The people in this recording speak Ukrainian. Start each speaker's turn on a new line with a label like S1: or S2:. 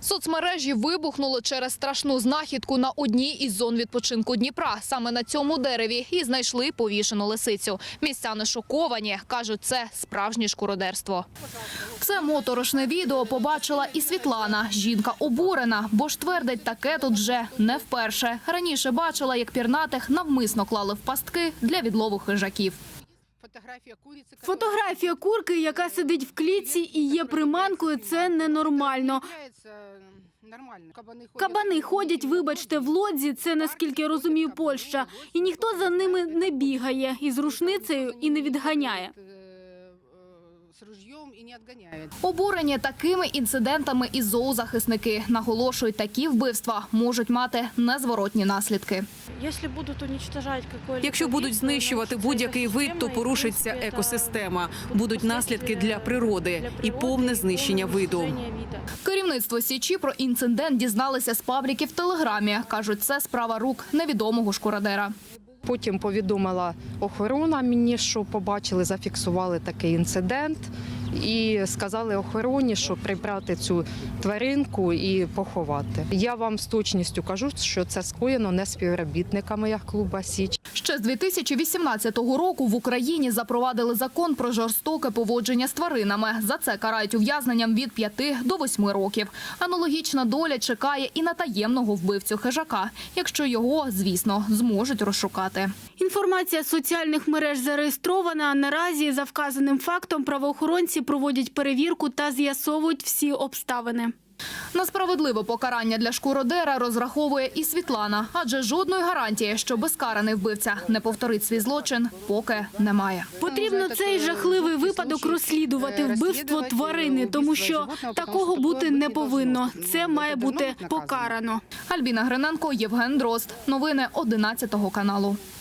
S1: Соцмережі вибухнули через страшну знахідку на одній із зон відпочинку Дніпра. Саме на цьому дереві і знайшли повішену лисицю. Містяни шоковані. Кажуть, це справжнє шкуродерство. Це моторошне відео побачила і Світлана. Жінка обурена, бо ж твердить, таке тут вже не вперше. Раніше бачила, як пірнатих навмисно клали в пастки для відлову хижаків.
S2: Фотографія курки, яка сидить в клітці і є приманкою, це ненормально. Кабани ходять, вибачте, в лодзі, це, наскільки я розумію, Польща. І ніхто за ними не бігає із рушницею і не відганяє.
S1: Обурені такими інцидентами і зоозахисники. Наголошують, такі вбивства можуть мати незворотні наслідки.
S3: Якщо будуть знищувати будь-який вид, то порушиться екосистема. Будуть наслідки для природи і повне знищення виду.
S1: Керівництво Січі про інцидент дізналися з пабліки в Телеграмі. Кажуть, це справа рук невідомого шкуродера.
S4: Потім повідомила охорона мені, що побачили, зафіксували такий інцидент. І сказали охороні, що прибрати цю тваринку і поховати. Я вам з точністю кажу, що це скоєно не співробітниками яхт-клубу «Січ».
S1: Ще з 2018 року в Україні запровадили закон про жорстоке поводження з тваринами. За це карають ув'язненням від 5 до 8 років. Аналогічна доля чекає і на таємного вбивцю хижака, якщо його, звісно, зможуть розшукати.
S2: Інформація з соціальних мереж зареєстрована. Наразі за вказаним фактом правоохоронці проводять перевірку та з'ясовують всі обставини.
S1: На справедливе покарання для шкуродера розраховує і Світлана, адже жодної гарантії, що безкараний вбивця не повторить свій злочин, поки немає.
S2: Потрібно цей жахливий випадок розслідувати, вбивство тварини, тому що такого бути не повинно. Це має бути покарано.
S1: Альбіна Гриненко, Євген Дрозд. Новини 11 каналу.